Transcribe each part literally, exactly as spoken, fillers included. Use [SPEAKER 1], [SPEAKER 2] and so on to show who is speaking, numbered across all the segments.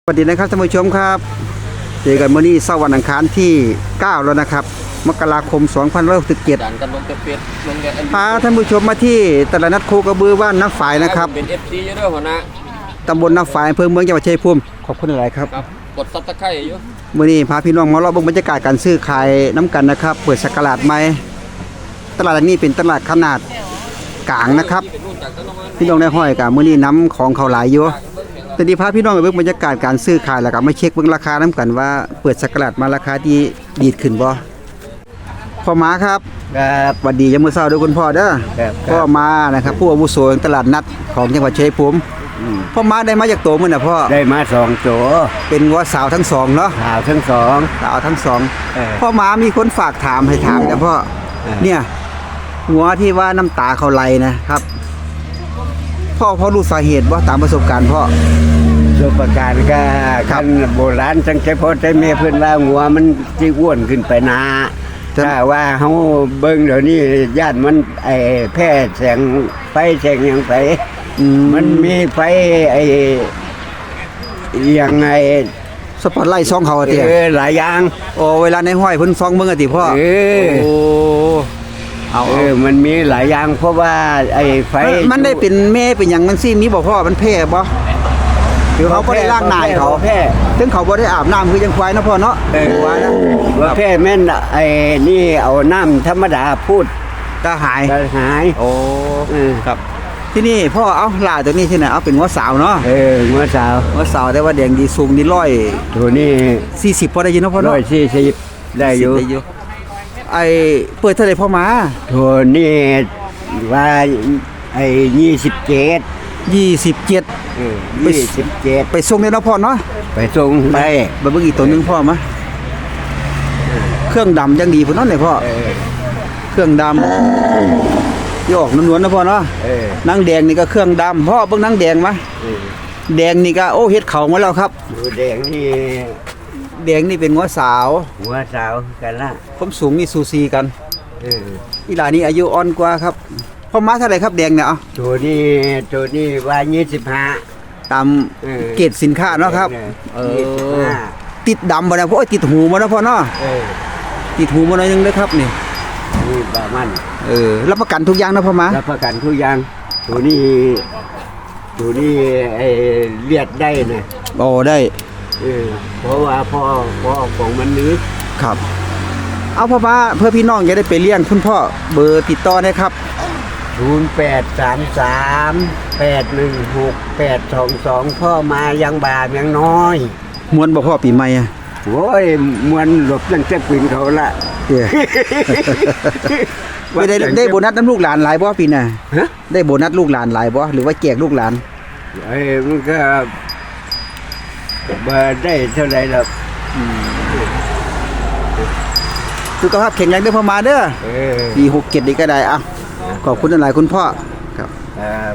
[SPEAKER 1] สวัสดีนะครับท่านผู้ชมครับเจอกันมื้อนี้เสาร์วันอังคารที่เก้าแล้วนะครับมกราคมสองพันห้าร้อยหกสิบเจ็ดพาท่านผู้ชมมาที่ตลาดนัดโคกระบือบ้านน้ำฝายนะครับ
[SPEAKER 2] เป็น เอฟ ซี อยู่ด้วยหัวหน้า
[SPEAKER 1] ตำบลน้ำฝายอำเภอเมืองจังหวัดชัยภูมิขอบคุณหลายครับ
[SPEAKER 2] กดซับตะไคร้อยู่
[SPEAKER 1] มื้อนี้พาพี่น้องมาเลาะเบิ่งบรรยากาศการซื้อขายน้ำกันนะครับเปิดสักราชใหม่ตลาดนี้เป็นตลาดขนาดกลางนะครับพี่น้องได้ห้อยกับมื้อนี้น้ำของเขาหลายอยู่แต่ดีพาพี่น้องไปเบิ่งบรรยากาศการซื้อขายแล้วก็มาเช็คเบิ่งราคาน้ำกันว่าเปิดสักราชมาราคาที่ดีขึ้นบ่พ่อหมาครับ
[SPEAKER 3] ครับ
[SPEAKER 1] สวัสดียามมื้อเช้าด้วยคุณพ่อเด้อพ่อมานะครับผู้อาวุโสตลาดนัดของจังหวัดชัยภูมิพ่อมาได้มาจากโตมื้อน่ะพ่อ
[SPEAKER 3] ได้มาสองโจ
[SPEAKER 1] เป็นวัวสาวทั้งสองเนาะ
[SPEAKER 3] สาวทั้งสอง
[SPEAKER 1] สาวทั้งสองพ่อมามีคนฝากถามให้ถามนะพ่อเนี่ยหัวที่ว่าน้ำตาเขาไหลนะครับพ่อพ่อรู้สาเหตุบ่ตามประสบการณ์พ่อ
[SPEAKER 3] ประสบการณ์ก็คันโบราณจังใจพ่อใจแม่เพิ่นว่าหัวมันสิอ้วนขึ้นไปนาถ้าว่าเฮาเบิ่งเดี๋ยวนี้ญาติมันไอ้แพร่แสงไฟแสงหยังไฟมันมีไฟไอ้ยังไง
[SPEAKER 1] สปอตไลท์ส่องเขาติ
[SPEAKER 3] เออหลายอย่าง
[SPEAKER 1] โอ้เวลาในห้อยเพิ่นส่องเบิ่งอะติพ่อ
[SPEAKER 3] เออ
[SPEAKER 1] โอ้
[SPEAKER 3] เอาเออมันมีหลายอย่างเพราะว่าไอ้ไฟ
[SPEAKER 1] มันได้เป็นแม่เป็นหยังมันซี่มีบ่พ่อมันแพ้บ่คือเขาบ่ได้ล้างหน้าเขา
[SPEAKER 3] แพ้
[SPEAKER 1] ถึงเขาบ่ได้อาบน้ำคือจังควายเนาะพ่อเนาะ
[SPEAKER 3] เออว่านะว่าแพ้แม่นไอ้นี่เอาน้ำธรรมดาพูด
[SPEAKER 1] ก็หาย
[SPEAKER 3] ก็หาย
[SPEAKER 1] โอ้ครับที่นี่พ่อเอาหลาตัวนี้ที่ไหนเอาเป็นหัวสาวเนาะ
[SPEAKER 3] เออหัวสาว
[SPEAKER 1] หัวสาวแต่ว่าแดงดีสูงดีร้อย
[SPEAKER 3] ตัวนี้
[SPEAKER 1] สี่สิบพอได้ยินเนาะพ่อเนาะ
[SPEAKER 3] ร้อยสี่สิบได้อยู่
[SPEAKER 1] ไอ้เปิดเท่าไหร่พ่อมา
[SPEAKER 3] ตัวนี้ว่าไอ้ยี่สิบเจ็ด
[SPEAKER 1] ยี่สิบเจ็ด
[SPEAKER 3] เออยี่สิบเจ็ด
[SPEAKER 1] ไปส่งได้เนาะพ่อเนาะ
[SPEAKER 3] ไปส่งได้
[SPEAKER 1] ไปเบิ่งอีกตัวนึงพ่อมาเครื่องดำยังดีพุ่นเนาะเนี่ยพ่อเครื่องดำที่ออกนวลๆนะพ่อเนาะนางแดงนี่ก็เครื่องดำพ่อเบิ่งนางแดงมาแดงนี่ก็โอ้เฮ็ดเข่ามาแล้วครับ
[SPEAKER 3] แดงนี่
[SPEAKER 1] แดงนี่เป็นหัวสาว
[SPEAKER 3] หัวสาวกันละ
[SPEAKER 1] ผมสูงนี่ซูซีกัน
[SPEAKER 3] เออ
[SPEAKER 1] อีหลานี่อายุอ่อนกว่าครับพ่อมาเท่าไหร่ครับแดงเนี่ยเอา
[SPEAKER 3] ตัวนี้ตัวนี้ว่ายี่สิบห้า
[SPEAKER 1] ตามเกรดสินค้าเนาะครับเออติดดำบ่นะพ่อติดหูมาเนาะพ่อเนาะ
[SPEAKER 3] เออ
[SPEAKER 1] ติดหูมาหน่อยนึงเด้อครับนี่
[SPEAKER 3] นี่บามัน
[SPEAKER 1] เออรับประกันทุกอย่างนะพ่อมา
[SPEAKER 3] รับประกันทุกอย่างตัวนี้ตัวนี้ไอ้เลียดได้นะ
[SPEAKER 1] โอ้ได้
[SPEAKER 3] เออเพราะว่าพ่อพ่อของมันนึก
[SPEAKER 1] ครับเอาพ่อมาเพื่อพี่น้องจะได้ไปเลี้ยงคุณพ่อเบอร์ติดต่อได้ครับ
[SPEAKER 3] ศูนย์ แปด สาม สาม แปด หนึ่ง หก แปด สอง สองพ่อมายังบาปยังน้อย
[SPEAKER 1] มวนบ่พ่อปีใหม่อ่ะ
[SPEAKER 3] โอ้ยมวนหลบตั้งแต่ปืนเขาละ
[SPEAKER 1] ไม่ได้ได้โบนัสน้ำลูกหลานหลายบ่ปีน่ะได้โบนัสลูกหลานหลายบ่หรือว่าแจกลูกหลาน
[SPEAKER 3] ไอ้มันก็บ่ได้เท่าไหร่หรอก
[SPEAKER 1] สุขภาพแข็งแรงเด้อพ่อมาเด้อปีหกเจ็ดนี่ก็ได้อ่ะขอบคุณหลายคุณพ่อครับครับ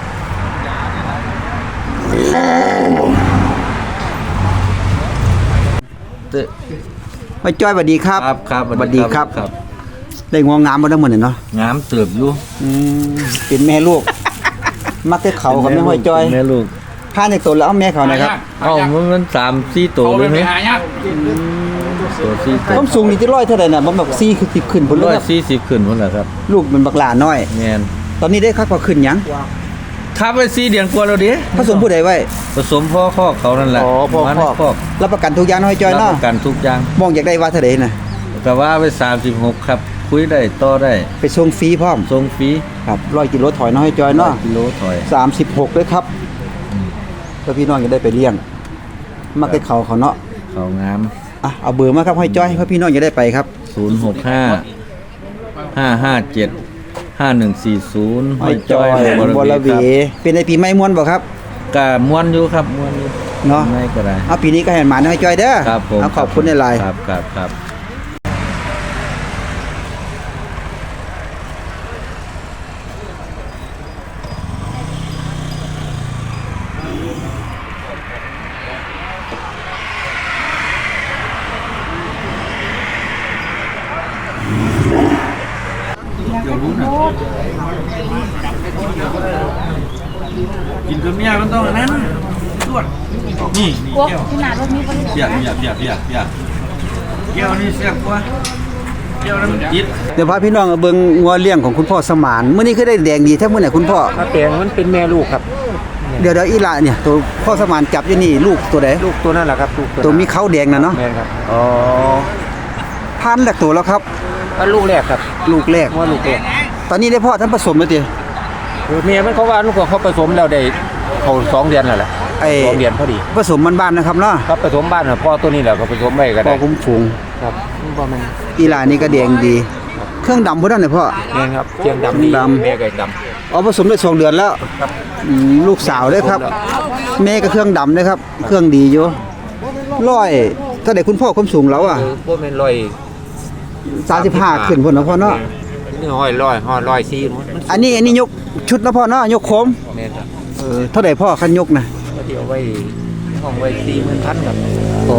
[SPEAKER 1] มาจ้อยสวัสดีครับ
[SPEAKER 2] ครับครับ
[SPEAKER 1] สวัสดีครับได้งวงงามบ่ได้หมดเนาะ
[SPEAKER 2] งามเติบอยู่
[SPEAKER 1] อืมเป็นแม่ลูกมักแต่เขากับแม่ห้อยจ้อย
[SPEAKER 2] แม่ลูก
[SPEAKER 1] พาในตัวแล้วเอาแม่เขานะครับ
[SPEAKER 2] เอ้ามันสาม สี่ตัวเลยมั้ยตัวสี่ตัว
[SPEAKER 1] ผมสูงนี่จะร้อยเท่าไหร่น่ะบ่แบบสี่สิบขึ้นพุ่นเลยครับ
[SPEAKER 2] สี่สิบขึ้นพุ่นล่ะครับ
[SPEAKER 1] ลูกมันบักหลาน้อย
[SPEAKER 2] แม่น
[SPEAKER 1] ตอนนี้ได้คักกว่าขึ้นหยัง
[SPEAKER 2] ทับไว้สี่เดือนกว่าแล้วดิ
[SPEAKER 1] ผสมผู้ใดไว้
[SPEAKER 2] ผสมพ่อคอกเขานั่นแหละ
[SPEAKER 1] อ๋อพ่อคอกรับประกันทุกอย่างน้อยจ้อยเนาะ
[SPEAKER 2] รับประกันทุกอย่าง
[SPEAKER 1] มองอยากได้ว่าเท่าใดน่ะ
[SPEAKER 2] ก็ว่าไว้สามสิบหกครับคุยได้ต่อได้
[SPEAKER 1] ไปส่งฟรีพร้อม
[SPEAKER 2] ส่งฟรี
[SPEAKER 1] ครับร้อยกิโลถอยน้อยจ้อยเนาะ
[SPEAKER 2] กิโลถอย
[SPEAKER 1] สามสิบหกด้วยครับเพื่อพี่น้องจะได้ไปเลี้ยงมักได้เขาเขาเนาะ
[SPEAKER 2] เขางาม
[SPEAKER 1] อ่ะเอาเบอร์มาครับห้อยจ้อยเพื่อพี่น้องจะได้ไปครับ
[SPEAKER 2] ศูนย์ หก ห้า ห้า ห้า เจ็ด ห้า หนึ่ง สี่ ศูนย์
[SPEAKER 1] ห้อยจ้อยบรวีเป็นในปีใหม่ม่วนบ่ครับ
[SPEAKER 2] ก็ม่วนอยู่ครับม่วนอยู่
[SPEAKER 1] เนาะ
[SPEAKER 2] ไม่ก็ได้
[SPEAKER 1] เอาปีนี้ก็ให้หมาห้อยจ้อยเด้อ
[SPEAKER 2] ครับผม
[SPEAKER 1] เอาขอบคุณในไลน์
[SPEAKER 2] ครับครับครับกินกับเมียมันต้องอันนั้นนี่
[SPEAKER 4] โอ้ขนาดรถนี้ก็ได้
[SPEAKER 2] เปียกเปียกเปียกเปียกเปียกเกี่ยวนี่เสียกว่าเกี่ยวน้ำจิต
[SPEAKER 1] เดี๋ยวพาพี่น้องเอาเบิ่งงัวเลี้ยงของคุณพ่อสมานมื้อนี้คือได้แดงดีแท้มื้อไหนคุณพ่อ
[SPEAKER 5] ถ้าแปลงมันเป็นแม่ลูกครับ
[SPEAKER 1] เดี๋ยวเดี๋ยวอีหละเนี่ยตัวพ่อสมานจับอยู่นี่ลูกตัวใด
[SPEAKER 5] ลูกตัวนั่นแหละครับลูก
[SPEAKER 1] ตัวมีเขาแดงน่ะเนาะ
[SPEAKER 5] แม่นครับ
[SPEAKER 1] อ๋อพันแรกตัวแล้วครับ
[SPEAKER 5] ก็ลูกแรกครับ
[SPEAKER 1] ลูกแรก
[SPEAKER 5] ว่าลูกแรก
[SPEAKER 1] ตอนนี้ได้พ่อท่านผสมแล้วติ
[SPEAKER 5] คือเมียมันเขาว่าลูกเขาผสมแล้วได้เขาสองเดือนแล้วแหละ
[SPEAKER 1] ไอ้
[SPEAKER 5] สองเดือนพอดี
[SPEAKER 1] ผสมบ้านๆนะครับเนาะ
[SPEAKER 5] ครับผสมบ้านน่ะพ่อตัวนี้แหละก็ผสมไว้ก็
[SPEAKER 1] พ่
[SPEAKER 5] ได้
[SPEAKER 1] อคุ้มฝูง
[SPEAKER 5] ครับบ่แม่น
[SPEAKER 1] อีหลานี่ก็แดงดี เครื่องดำพุ่นนั่นน่ะพ่อ
[SPEAKER 5] แม่นครับเชียงดำดี
[SPEAKER 1] ดำ
[SPEAKER 5] แม่ก็ด
[SPEAKER 1] อ๋อผสมได้สองเดือนแล้ว
[SPEAKER 5] ครับ
[SPEAKER 1] อืมลูกสาวเด้อครับ แม่ก็เครื่องดำเด้อครับ เครื่องดีอยู่ร้อยเท่าใดคุณพ่อความสูงแล้วอ่ะ
[SPEAKER 5] ำคือบ่แม่นร้อย
[SPEAKER 1] สามสิบห้าขึ้นพุ่นเนาะพ่อเนาะ
[SPEAKER 5] นี่ห้อยร้อยห้อยร้อยสี่มัน
[SPEAKER 1] อันนี้อันนี้ยกชุดนะพ่อเนาะยกโคม
[SPEAKER 5] แม่นครับ
[SPEAKER 1] เออเท่าใดพ่อคันยกนะ
[SPEAKER 5] ก็เดี๋ยวไว้ห้องไว้สี่หมื่นพันครับ
[SPEAKER 1] อ๋อ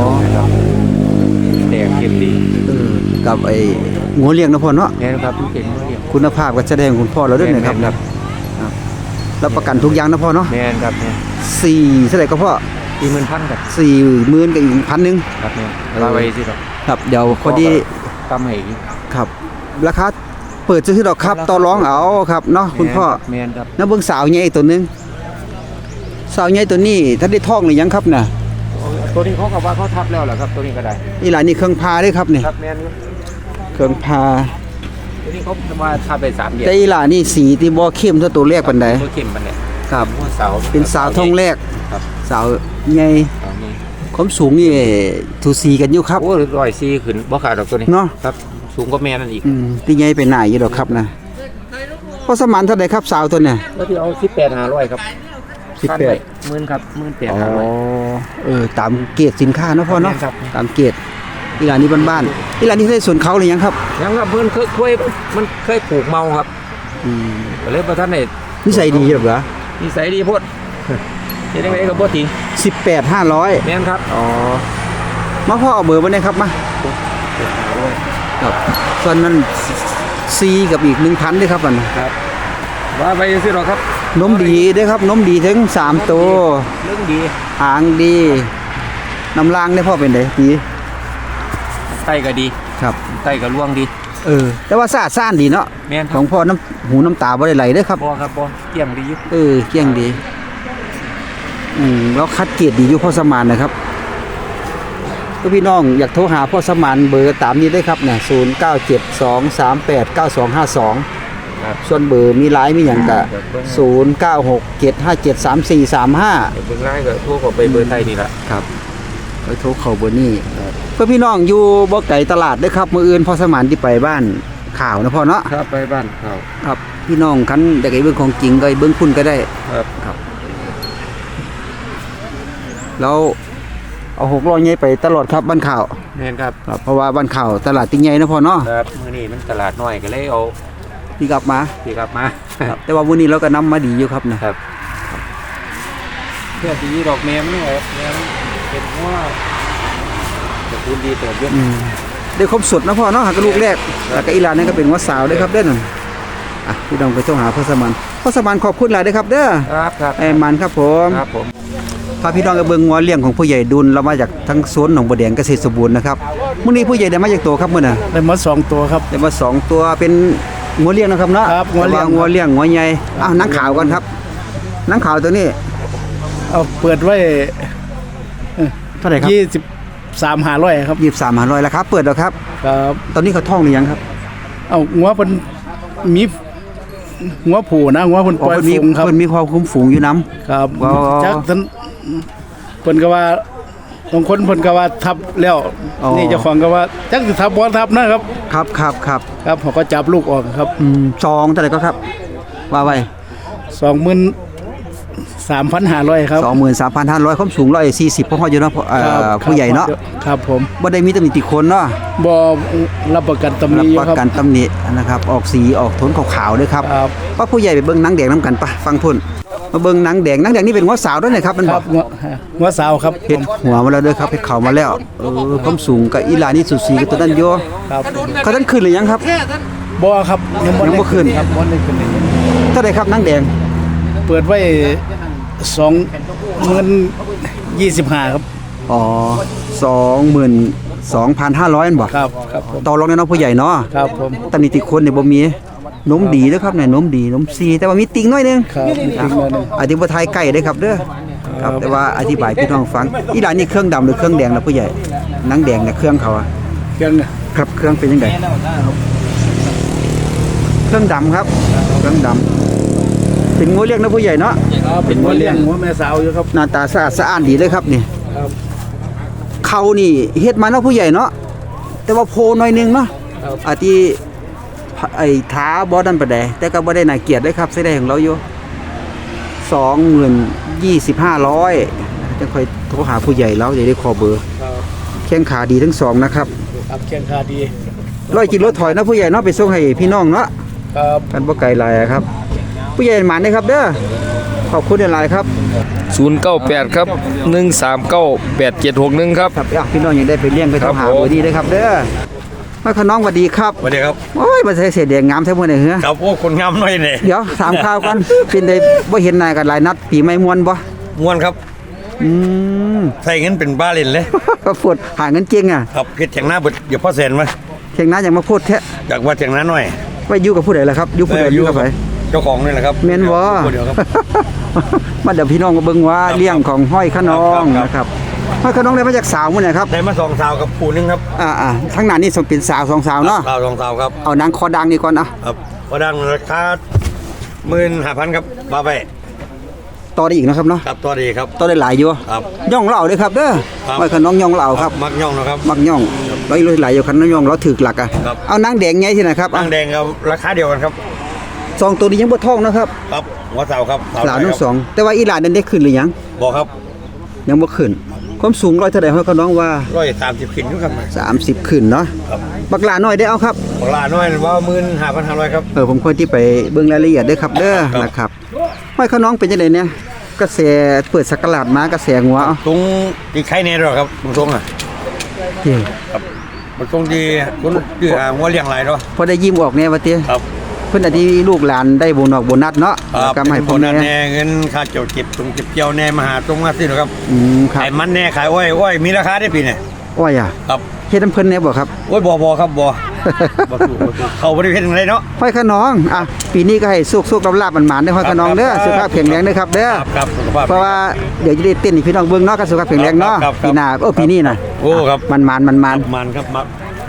[SPEAKER 5] แดงเก็บดี
[SPEAKER 1] เออกับไอ้งัวเลี้ยงนะพ่อเนาะ
[SPEAKER 5] แม่นครับมันเป็นเรียก
[SPEAKER 1] คุณภาพก็แสดงคุณพ่อเราด้วยนะครับ
[SPEAKER 5] แม่นครับ
[SPEAKER 1] ครับรับประกันทุกอย่างนะพ่อเนาะ
[SPEAKER 5] แม่นครับแม่น
[SPEAKER 1] สี่เท่าไหร่ก็พ่อ
[SPEAKER 5] สี่หมื่นพันครับ
[SPEAKER 1] สี่หมื่นกับอีกพันหนึ่ง
[SPEAKER 5] ครับแม่นว่าไว้สิครับ
[SPEAKER 1] ครับเดี๋ยวพอดี
[SPEAKER 5] ทำให้อีก
[SPEAKER 1] ครับราคาเปิดซื้อดอกครับต่อรองเอาครับเนาะคุณพ่อ
[SPEAKER 5] แม่นครับ
[SPEAKER 1] น้าเบิ่งสาวใหญ่ตัวหนึงสาวใหญ่ตัวนี้ถ้าได้ท้องหรือยังครับน่ะ
[SPEAKER 5] ตัวนี้เขาก็ว่าเขาทับแล้วแหละครับตัวนี้ก็ได้
[SPEAKER 1] นี่หลานนี่เครื่องพาเด้ครับนี่
[SPEAKER 5] ครับแม่นอยู่
[SPEAKER 1] เครื่องพา
[SPEAKER 5] ตัวนี้เขามาทับไปสามเดือน
[SPEAKER 1] แต่อีหลานนี่สีที่บ่เข้มเท่าตัวแรกปานใด
[SPEAKER 5] ตัวเข้มมันเนี่ย
[SPEAKER 1] ครับ
[SPEAKER 5] หัวเสา
[SPEAKER 1] เป็นสาวท้องแรก
[SPEAKER 5] ครับ
[SPEAKER 1] สาวใหญ่
[SPEAKER 5] สาวนี่
[SPEAKER 1] ความสูงนี่ทูซีกันอยู่ครับ
[SPEAKER 5] โอ้ร้อยสี่ขึ้นบ่ขาดดอกตัวนี้
[SPEAKER 1] เนาะ
[SPEAKER 5] ครับสูงกว่าแม่นั่นอีก
[SPEAKER 1] อืมที่ใหญ่ไปหน้าอยู่ดอกครับนะพ่อสมานเท่าใดครับสาวตัวเนี่ย
[SPEAKER 5] แล้วที่เอาสิบแปดห้าร้อยครับ
[SPEAKER 1] สิบแปด
[SPEAKER 5] หมื่นครับหมื่นแปด
[SPEAKER 1] อ๋อ
[SPEAKER 5] ห้าร้อย
[SPEAKER 1] เออตามเกรดสินค้าเนาะพ่อเนาะ
[SPEAKER 5] ครับ
[SPEAKER 1] ตามเกรดอีหลานนี่บ้านๆอีหลานนี่ได้สวนเขาหรือยังครับ
[SPEAKER 5] ยังครับเพิ่นเคยเคยมันเคยปลูกเมาครับ
[SPEAKER 1] อืม
[SPEAKER 5] ก็เลยบ่ทันได้
[SPEAKER 1] นิสัยดีหรอเหรอ
[SPEAKER 5] นิสัยดีโพดเฮ็ดจังไดก็บ่ทิ้ง
[SPEAKER 1] สิบแปดห้าร้อย
[SPEAKER 5] แม่นครับ
[SPEAKER 1] อ๋อมาพ่อเอาเบอร์มาได้ครับมาครับส่วนนั้นซีกับอีกหนึ่งพันด้วยครับมัน
[SPEAKER 5] ครับว่าไปสิหรอกครับ
[SPEAKER 1] นมดีด้วยครับนมดีถึงสามตัว
[SPEAKER 5] เรื่องดี
[SPEAKER 1] หางดีน้ำล่างได้พ่อเป็นไงดี
[SPEAKER 5] ไตก็ดี
[SPEAKER 1] ครับ
[SPEAKER 5] ไตก็ล่วงดี
[SPEAKER 1] เออ แต่ว่าซาซ่านดีเนาะ
[SPEAKER 5] แม่นค
[SPEAKER 1] ข
[SPEAKER 5] รั
[SPEAKER 1] อบ งพ่อน้ำหูน้ำตาบ่ได้ไหลเด้อครับ
[SPEAKER 5] บ่ครับบ่เกี่ยงดีอยู่
[SPEAKER 1] เออเกี้ยงดี อืมแล้วคัดเกียรติดีอยู่พ่อสมานนะครับก็พี่น้องอยากโทรหาพ่อสมานเบอร์ตามนี้ได้ครับเนี่ยศูนย์เก้าเจ็ดสองสามแปดเก้าสองห้าสอง
[SPEAKER 5] ครับ
[SPEAKER 1] ส่วนเบอร์มีไลน์มีอย่างกะศูนย์เก้าหกเจ็ดห้าเจ็ดสามสี่สามห้า
[SPEAKER 5] เดี๋ยวเบิ่งไลน์ก็โทรเข้าไปเบอร์ไทยนี่ล่ะ
[SPEAKER 1] ครับไปโทรเข้าเบอร์นี้เพื่อพี่น้องอยู่บ่ไก่ตลาดเด้อครับมื้ออื่นพ่อสมานที่ไปบ้านข่าวนะพ่อเนาะ
[SPEAKER 5] ครับไปบ้านเขา
[SPEAKER 1] ครับ พี่น้องคันอยากให้เบิ่งของจริงก็ให้เบิ่งคุณก็ได้
[SPEAKER 5] ครับ
[SPEAKER 1] แล้วเอาหกล้อใหญ่ไปตลอดครับบ้านข่าว
[SPEAKER 5] แม่นครับ
[SPEAKER 1] ครับเพราะว่าบ้านข่าวตลาดติงใหญ่นะพ่อเนาะ
[SPEAKER 5] ครับมื้อนี้มันตลาดน้อยก็เลยเอา
[SPEAKER 1] ที่กลับมา
[SPEAKER 5] พี่กลับมา
[SPEAKER 1] ครับแต่ว่ามื้อนี้เราก็นำมาดีอยู่ครับนะครับ
[SPEAKER 5] เพื่อที่ดอกแม่มันออกแม่มันเป็นว่าจะคูณดีเติบเยอะ
[SPEAKER 1] อืมได้ครบสุดนะพ่อเนาะหากบลูกแรกแล้วก็อีหลานนั่นก็เป็นว่าสาวเด้อครับเด้อนั่นอ่ะพี่น้องไปโทรหาพ่อสมานพ่อสมานขอบคุณหลายเด้อครับเด้อ
[SPEAKER 5] ครับครับ
[SPEAKER 1] ไอ้มันครับผม
[SPEAKER 5] ครับผม
[SPEAKER 1] พาพี่น้องไปเบิ่งงัวเลี้ยงของผู้ใหญ่ดุลเรามาจากทั้งสวนหนองบัวแดงเกษตรสมบูรณ์นะครับมื้อนี้ผู้ใหญ่ได้มาจากตัวครับมื้อน่ะ
[SPEAKER 6] ได้มาสองตัวครับ
[SPEAKER 1] ได้มาสองตัวเป็นงัวเลี้ยงนะครับเนาะ
[SPEAKER 6] ครับงัวเลี้ยง
[SPEAKER 1] แต่างัวเลี้ยงงัวใหญ่อ้าวนังขาวก่อนครับนังขาวตัวนี้
[SPEAKER 6] เอาเปิดไว้
[SPEAKER 1] เท่าไหร่ครับ
[SPEAKER 6] ยี่สิบสามหาร้อยครับ
[SPEAKER 1] ยี่สิบสามห้าร้อยแล้วครับเปิดแล้วครับ
[SPEAKER 6] ครับ
[SPEAKER 1] ตอนนี้เขาท้องหรือยังครับ
[SPEAKER 6] เอาหัวเป็นมีหัวผูนะหัวเพิ่นปล่อย
[SPEAKER 1] เพิ่นมี
[SPEAKER 6] ฝูงครับ
[SPEAKER 1] เพิ่นมีความคุ้มฝูงอยู่น้
[SPEAKER 6] ครับ
[SPEAKER 1] อ๋อ
[SPEAKER 6] จักท่านเพิ่นก็ว่าบางคนเพิ่นก็ว่าทับแล้ว
[SPEAKER 1] อ๋อ
[SPEAKER 6] นี่เจ้าของก็ว่าจักสิทับบ่ทับนะครับ
[SPEAKER 1] ครับครับครับ
[SPEAKER 6] ครับเขาก็จับลูกออกครับ
[SPEAKER 1] อืมซองเท่าไหร่ก็ครับว่าไว้
[SPEAKER 6] สองหมื่นสามพันห้าร้อยครับ
[SPEAKER 1] สองหมื่นสามพันห้าร้อยความสูงร้อยสี่สิบพ่ออยู่เนาะพ่อเอ่
[SPEAKER 6] ครับ
[SPEAKER 1] อผู้ใหญ่เนาะ
[SPEAKER 6] ครับผม
[SPEAKER 1] บ่ได้มีตำหนิติคนเนาะ
[SPEAKER 6] บ่รับประกันตำห
[SPEAKER 1] รั
[SPEAKER 6] นิ
[SPEAKER 1] บ
[SPEAKER 6] อยู่
[SPEAKER 1] ประ
[SPEAKER 6] ครับ
[SPEAKER 1] กันตำหนินะครับออกสีออกโทนขาวๆด้วยครับ
[SPEAKER 6] ครับ
[SPEAKER 1] ว่าผู้ใหญ่ไปเบิ่งหนังแดงน้ำกันปะฟังพุ่นมาเบิ่งหนังแดงหนังแดงนี่เป็นหัวสาวด้วยนะครับมัน
[SPEAKER 6] ค
[SPEAKER 1] บ
[SPEAKER 6] รั
[SPEAKER 1] อบ ก
[SPEAKER 6] หัวหัวสาวครับ
[SPEAKER 1] เฮ็ดหัวมาแล้วเด้วยครับเฮ็ดเข่ามาแล้วเออความสูงกับอีหลานี่สุดสีกับตัวนั้นโย
[SPEAKER 6] ครับ
[SPEAKER 1] เขาท่านขึ้นหรือยังครับ
[SPEAKER 6] บ่ครับยังบ่
[SPEAKER 1] ยังบ่
[SPEAKER 6] ได้
[SPEAKER 1] ขึ้น
[SPEAKER 6] ครับบ่ได้ขึ้นเลย
[SPEAKER 1] เท่าไหร่ครับหนังแดง
[SPEAKER 6] เปิดไว้สองหมื่นยี่สิบห้าครับ
[SPEAKER 1] อ๋อสองหมื่นสองพันห้าร้อยบ่
[SPEAKER 6] ครับครับผม
[SPEAKER 1] ต่อรองแน่เนาะผู้ใหญ่เนาะ
[SPEAKER 6] ครับผม
[SPEAKER 1] ตำหนิติคนเนี่ยบ่มีนมดีเด้อครับเนี่ยนมดีนมซีแต่ว่ามีติ่งน้อยหนึง
[SPEAKER 6] ครับจริงๆเลย
[SPEAKER 1] อธิบายไก่ได้อครับเด้อครับแต่ว่าอธิบายพี่น้องฟังอีหลานนี่เครื่องดำหรือเครื่องแดงนะผู้ใหญ่หนังแดงเนี่ยเครื่องเขาอะ
[SPEAKER 6] เครื่องเนี่ย
[SPEAKER 1] ครับเครื่องเป็นยังไงเครื่องดำครับ เครื่องดำเป็นงูเลี้ยงนะผู้ใหญ่เนาะ
[SPEAKER 6] ครับเป็นหัวเลี้ยงหัวแม่สาวอยู่ครับ
[SPEAKER 1] หน้าตาสะอาดสะอ้านดีเลยครับนี่
[SPEAKER 6] ครับ
[SPEAKER 1] เขานี่เฮ็ดมาเนาะผู้ใหญ่เนาะแต่ว่าโพหน่อยหนึงเนาะ
[SPEAKER 6] ครับ
[SPEAKER 1] อาที่ไอ้ท้าบ่ดันปานใดแต่ก็บ่ได้น่าเกลียดเลยครับใส่ได้ของเราอยู่สองหมื่นยี่สิบห้าร้อยจะค่อยโทรหาผู้ใหญ่แล้วจะได้ขอเบอร์
[SPEAKER 6] ครับ
[SPEAKER 1] แข้งขาดีทั้งสองนะครับ
[SPEAKER 6] ครับเคียงคาดี
[SPEAKER 1] ร้อยกิโลถอยนะผู้ใหญ่เนาะไปส่งให้พี่น้องเนาะ
[SPEAKER 6] ครับ
[SPEAKER 1] กันบ่ไกลหลายอะครับ ผู้ใหญ่หมานนะครับเด้อขอบคุณหลายๆครับ
[SPEAKER 4] ศูนย์เก้าแปดครับหนึ่งสามเก้าแปดเจ็ดหกหนึ่งครับ
[SPEAKER 1] ครับอ่ะพี่น้องยังได้ไปเลี้ยงไป
[SPEAKER 4] ครั
[SPEAKER 1] ทำ
[SPEAKER 4] บ
[SPEAKER 1] หา
[SPEAKER 4] ผม
[SPEAKER 1] เบอร์ดีเลยครับเด้อมาขน้องสวัสดีครับ
[SPEAKER 5] สวัสดีครับ
[SPEAKER 1] โอ้ยมาใส่เสียแดงงามแท้มื้อนี้เหรอ
[SPEAKER 5] ครับโอ้คนงามหน่อยเนี่ย
[SPEAKER 1] เดี๋ยวถามข่าวก่อนเป็นได้บ่เห็นหน้ากันหลายนัดปีใหม่ม่วนบ่
[SPEAKER 5] ม้วนครับ
[SPEAKER 1] อืม
[SPEAKER 5] ใส่เงินเป็นบ้าเล่นเลย
[SPEAKER 1] ก็ปวดหาเงินเก่งอ่ะ
[SPEAKER 5] ครับเพชรแข่งหน้าเบิดเดี๋ยวพ่อเซนมา
[SPEAKER 1] เข่งหน้ายังมาพูดแท้
[SPEAKER 5] อยากว่าแข่งหน้าหน่อย
[SPEAKER 1] ไว้อยู่กับผู้ใดล่ะครับอยู่ผู้ใดอยู่กับไผ
[SPEAKER 5] เจ้าของนี่แหละครับ
[SPEAKER 1] แม่นบ่
[SPEAKER 5] ผู้เดียวครับ
[SPEAKER 1] มาเดี๋ยวพี่น้องมาเบิ่งว่าเลี้ยงของห้อยขนอง
[SPEAKER 5] ครับ
[SPEAKER 1] นะครับห้อยขนองได้มาจากสาวมื้อไหนครับ
[SPEAKER 5] ได้มาสองสาวกับผู้หนึงครับ
[SPEAKER 1] อ่าๆทั้งนั้นนี่สมเป็นสาวสองสาวเนาะ
[SPEAKER 5] สาวสองสาวครับ
[SPEAKER 1] เอานางคอดังนี่ก่อนอ่ะ
[SPEAKER 5] ครับพอดังราคาหมื่นห้าพันครับบาไป
[SPEAKER 1] ต่อได้อีกนะครับเนาะ
[SPEAKER 5] ครับตัวดีครับ
[SPEAKER 1] ต่อได้หลายอยู่
[SPEAKER 5] ครับ
[SPEAKER 1] ย่องเหล่าเด้อครับเด้อ
[SPEAKER 5] ครับ
[SPEAKER 1] ห้อยขนองย่องเหล่าครับ
[SPEAKER 5] มักย่องนะครับ
[SPEAKER 1] มักย่องร้อยหลายอยู่คันน้องย่องเราถึกหลักอ่ะ
[SPEAKER 5] ครับ
[SPEAKER 1] เอานางแดงไงที่ไหนครับ
[SPEAKER 5] นางแดงครับราคาเดียวกันครับ
[SPEAKER 1] สองตัวนี้ยังบ่ท้องนะครับ
[SPEAKER 5] ครับหัวสาวครับ
[SPEAKER 1] หลานทั้งสองแต่ว่าอีหลานนั้นได้ขึ้นหรือยัง
[SPEAKER 5] บอกครับ
[SPEAKER 1] ยังบ่ขึ้นความสูงร้อยเท่าใดห้อยขนองว่า
[SPEAKER 5] ร้อยสามสิบขึ้นอยู่ครับ
[SPEAKER 1] สามสิบขึ้นเนาะ
[SPEAKER 5] ครับ
[SPEAKER 1] บักหลาน้อยได้เอาครับ
[SPEAKER 5] ของลาน้อยว่าหมื่นห้าพันห้าร้อยครับ
[SPEAKER 1] เออผมควรที่ไปเบิ่งรายละเอียดเด้อครับเด้อ
[SPEAKER 5] ครับ
[SPEAKER 1] นะครับห้อยขนองเป็นจังไดเนี่ยกระแสเปิดสักราดมากระแสงัวเอา
[SPEAKER 5] ตรงที่ไข่เนี่ยหรอครับตรงๆอ่ะ
[SPEAKER 1] เด้อ
[SPEAKER 5] มันตรงที่คนที่หาหัวเลี้ยงหลายเนาะ
[SPEAKER 1] พอได้ยิ้มออกแน่ว่าติ
[SPEAKER 5] ครับ
[SPEAKER 1] เพิ่นอาจสิลูกหลานได้โบนอกโบนัสเนาะ
[SPEAKER 5] ค
[SPEAKER 1] แล้ว
[SPEAKER 5] รับ
[SPEAKER 1] ก็มาให้
[SPEAKER 5] ค
[SPEAKER 1] พ่อน
[SPEAKER 5] นั้น
[SPEAKER 1] แม่
[SPEAKER 5] แน่เงินค่าเจียวเก็บตรงเก็บเจียวแน่มาหาตรงมาสิหรอครับ
[SPEAKER 1] อืมครับ
[SPEAKER 5] ขายมันแน่ขายอ้อยอ้อยมีราคาได้ปีเนี่ย
[SPEAKER 1] อ้อยอ่ะ
[SPEAKER 5] ครับ
[SPEAKER 1] เฮ็ดน้ำเพิ่นแน่บ่ครับ
[SPEAKER 5] อ้อยบ่บ่ครับบ่ บ่ถูกบ่ถูกเขาบ่ได้เฮ็ดจังไดเนาะ
[SPEAKER 1] ห้อยขนองอ่ะปีนี้ก็ให้สุกๆลาบๆหมานๆเด้อห้อยขนองเด้อ
[SPEAKER 5] ครับ
[SPEAKER 1] สุขภาพแข็งแรงเด้อครับเด้อ
[SPEAKER 5] ครับครับสุขภาพ
[SPEAKER 1] เพราะว่าเดี๋ยวจะได้เต้นให้พี่น้องเบิ่งเนาะก็สุขภาพแข็งแรงเนาะ
[SPEAKER 5] ครับครับ
[SPEAKER 1] ปีหน้าเออปีนี้น่ะ
[SPEAKER 5] โอ้ครับ
[SPEAKER 1] มันๆมันๆ
[SPEAKER 5] มันครับมัน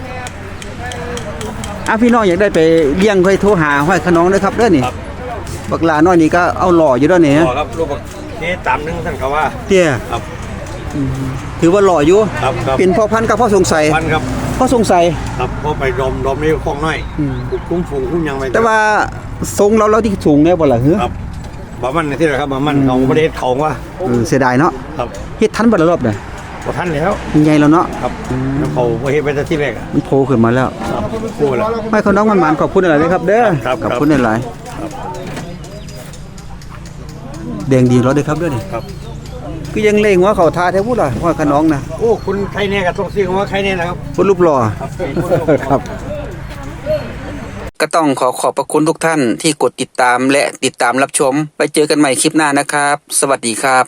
[SPEAKER 1] อ่ะพี่น้องอยากได้ไปเลี้ยงค่อยโทรหาห้อยขนองเด้อครับเด้อนี่
[SPEAKER 5] ครับ
[SPEAKER 1] บักหลาน้อยนี่ก็เอาหล่ออยู่เด้อนี่
[SPEAKER 5] บ่ครับลูกบักนี่ตามหนึงท่านเขาว่า
[SPEAKER 1] เตี้ย
[SPEAKER 5] ครับ
[SPEAKER 1] ถือว่าหล่ออยู่
[SPEAKER 5] ครับครับ
[SPEAKER 1] เป็นพ่อพันธุ์กับพ่อสงสัย
[SPEAKER 5] พันครับ
[SPEAKER 1] พ่อสงสัย
[SPEAKER 5] ครับพอไปดมดมนี่คล่องน้อยคุ้มฝูงคุ้มยังไป
[SPEAKER 1] แต่ว่าทรงเราเราที่สูงแน่บ่ล่ะเฮ้อ
[SPEAKER 5] ครับบ่มันที่ไหนครับบ่มันเขาบ่ได้เฮ็ดเขาว่า
[SPEAKER 1] เออเสียดายเนาะ
[SPEAKER 5] ครับ
[SPEAKER 1] เฮ็ดทันบ่ละรอบเนี่ย
[SPEAKER 5] บ่ทันแล้ว
[SPEAKER 1] ใหญ่แล้วเนาะ
[SPEAKER 5] ครับแล้วเขาบ่เฮ็ดไปแต่ที่แรกอะ
[SPEAKER 1] มันโผล่ขึ้นมาแล้ว
[SPEAKER 5] ครับพูดแล้ว
[SPEAKER 1] ห้อยขนองมันๆขอบคุณหลายๆครับเด้อ
[SPEAKER 5] ครับ
[SPEAKER 1] ขอบคุณหลายๆแดงดีรอเด้อครับเด้อนี่
[SPEAKER 5] ครับ
[SPEAKER 1] คือยังเล่งว่าเขาทาแท้พูดล่ะห้อยขนองน่ะ
[SPEAKER 5] โอ้คุณใครเนี่ยกับต้องซื้อคำว่าใครเนี่ยนะครับ
[SPEAKER 1] คนรูปหล่อครับ ก็ต้องขอขอบพระคุณทุกท่านที่กดติดตามและติดตามรับชม ไปเจอกันใหม่คลิปหน้านะครับ สวัสดีครับ